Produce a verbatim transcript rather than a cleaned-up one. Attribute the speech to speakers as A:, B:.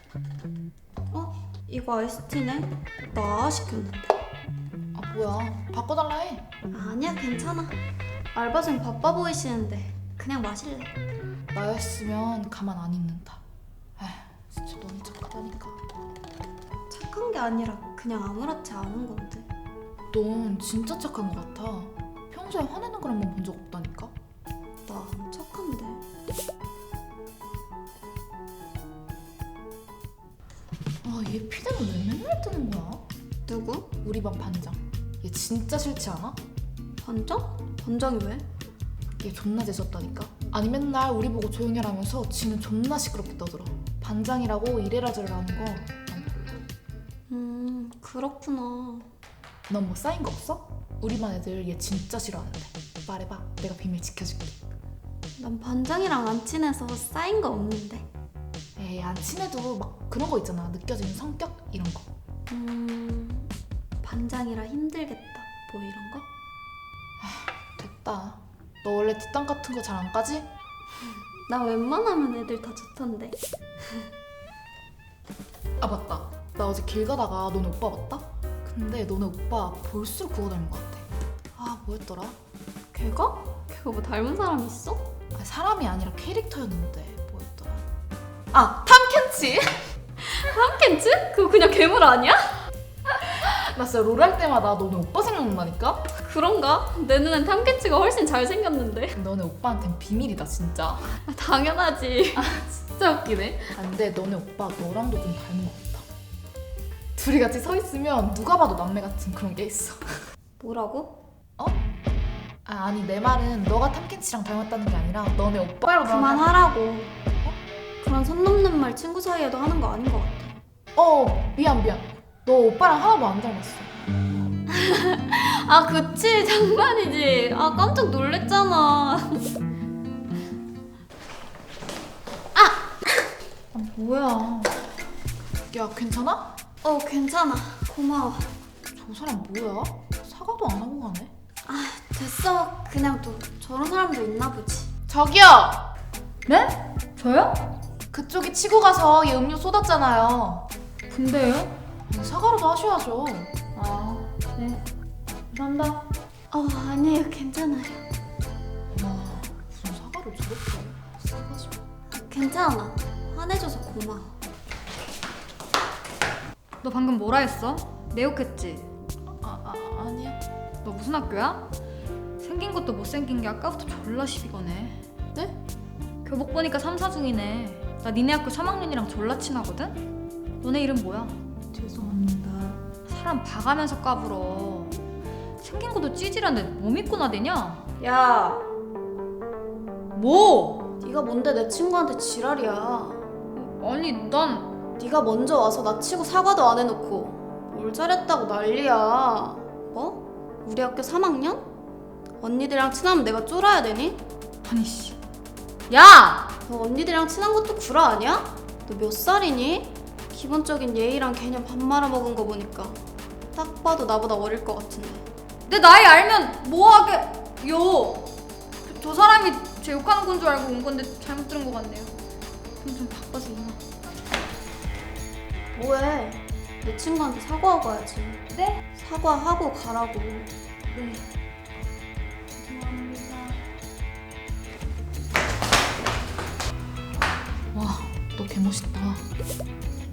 A: 어? 이거 아이스티네? 나 시켰는데.
B: 아 뭐야, 바꿔달라 해.
A: 아니야, 괜찮아. 알바생 바빠 보이시는데 그냥 마실래.
B: 나였으면 가만 안 있는다. 에휴, 진짜 너무 착하다니까.
A: 착한 게 아니라 그냥 아무렇지 않은 건데.
B: 넌 진짜 착한 것 같아. 평소에 화내는 걸 한 번 본 적 없다니까.
A: 나 안 착한데.
B: 아, 얘 피드는 왜 맨날 뜨는 거야?
A: 누구?
B: 우리 반 반장. 얘 진짜 싫지 않아?
A: 반장? 반장이 왜?
B: 얘 존나 재수없다니까. 아니 맨날 우리 보고 조용히 하라면서 지는 존나 시끄럽게 떠들어. 반장이라고 이래라 저래라 하는 거 난 별로.
A: 음, 그렇구나.
B: 넌 뭐 쌓인 거 없어? 우리 반 애들 얘 진짜 싫어하는데. 말해봐, 내가 비밀 지켜줄게.
A: 난 반장이랑 안 친해서 쌓인 거 없는데.
B: 에이, 안 친해도 막 그런 거 있잖아. 느껴지는 성격 이런 거.
A: 음, 반장이라 힘들겠다. 뭐 이런 거?
B: 됐다. 너 원래 뒷담 같은 거 잘 안 까지?
A: 나 웬만하면 애들 다 좋던데.
B: 아 맞다. 나 어제 길 가다가 너네 오빠 봤다? 근데 너네 오빠 볼수록 그거 닮은 것 같아. 아 뭐였더라?
A: 걔가? 걔가 뭐 닮은 사람 있어?
B: 아, 사람이 아니라 캐릭터였는데 뭐였더라? 아 탐켄치!
A: 탐켄츠? 그거 그냥 괴물 아니야?
B: 나 진짜 롤 할 때마다 너네 오빠 생각난다니까?
A: 그런가? 내 눈엔 탐켄츠가 훨씬 잘생겼는데.
B: 너네 오빠한텐 비밀이다 진짜.
A: 아, 당연하지.
B: 진짜 웃기네. 아, 근데 너네 오빠 너랑도 좀 닮은 것 같아. 둘이 같이 서 있으면 누가 봐도 남매 같은 그런 게 있어.
A: 뭐라고?
B: 어? 아, 아니 내 말은 너가 탐켄치랑 닮았다는 게 아니라 너네 오빠랑
A: 그만하라고. 어? 그런 선 넘는 말 친구 사이에도 하는 거 아닌 것 같아.
B: 어 미안 미안. 너 오빠랑 하나도 안 닮았어.
A: 아 그치, 장난이지. 아 깜짝 놀랬잖아.
B: 아 뭐야. 야 괜찮아?
A: 어 괜찮아, 고마워.
B: 저 사람 뭐야? 사과도 안 하고 가네.
A: 아 됐어, 그냥 또 저런 사람도 있나 보지.
B: 저기요!
C: 네? 저요?
B: 그쪽이 치고 가서 얘 음료 쏟았잖아요.
C: 근데요?
B: 사과라도 하셔야죠.
C: 아, 네. 감사합니다.
A: 어 아니에요, 괜찮아요.
B: 와 무슨 사과를 저렇게 싸가지고.
A: 괜찮아, 화내줘서 고마워.
C: 너 방금 뭐라 했어? 내 욕했지?
B: 아, 아 아니야.
C: 너 무슨 학교야? 생긴 것도 못생긴 게 아까부터 졸라 시비 거네.
B: 네?
C: 교복 보니까 삼 사 중이네. 나 니네 학교 삼 학년이랑 졸라 친하거든? 너네 이름 뭐야?
B: 죄송합니다.
C: 사람 봐가면서 까불어. 생긴 것도 찌질한데 뭐 믿고 나대냐?
A: 야,
C: 뭐?
A: 네가 뭔데 내 친구한테 지랄이야.
C: 아니 난
A: 네가 먼저 와서 나 치고 사과도 안 해놓고 뭘 잘했다고 난리야. 뭐? 우리 학교 삼 학년? 언니들이랑 친하면 내가 쫄아야 되니?
C: 아니 씨. 야!
A: 너 언니들이랑 친한 것도 구라 아니야? 너 몇 살이니? 기본적인 예의랑 개념 밥 말아먹은 거 보니까 딱 봐도 나보다 어릴 것 같은데.
C: 내 나이 알면 뭐하게 요. 저, 저 사람이 제 욕하는 건 줄 알고 온 건데 잘못 들은 것 같네요. 좀, 좀 바빠서 이만.
A: 뭐해? 내 친구한테 사과하고 가야지.
C: 네?
A: 사과하고 가라고.
C: 네. 죄송합니다.
B: 와 너 개멋있다.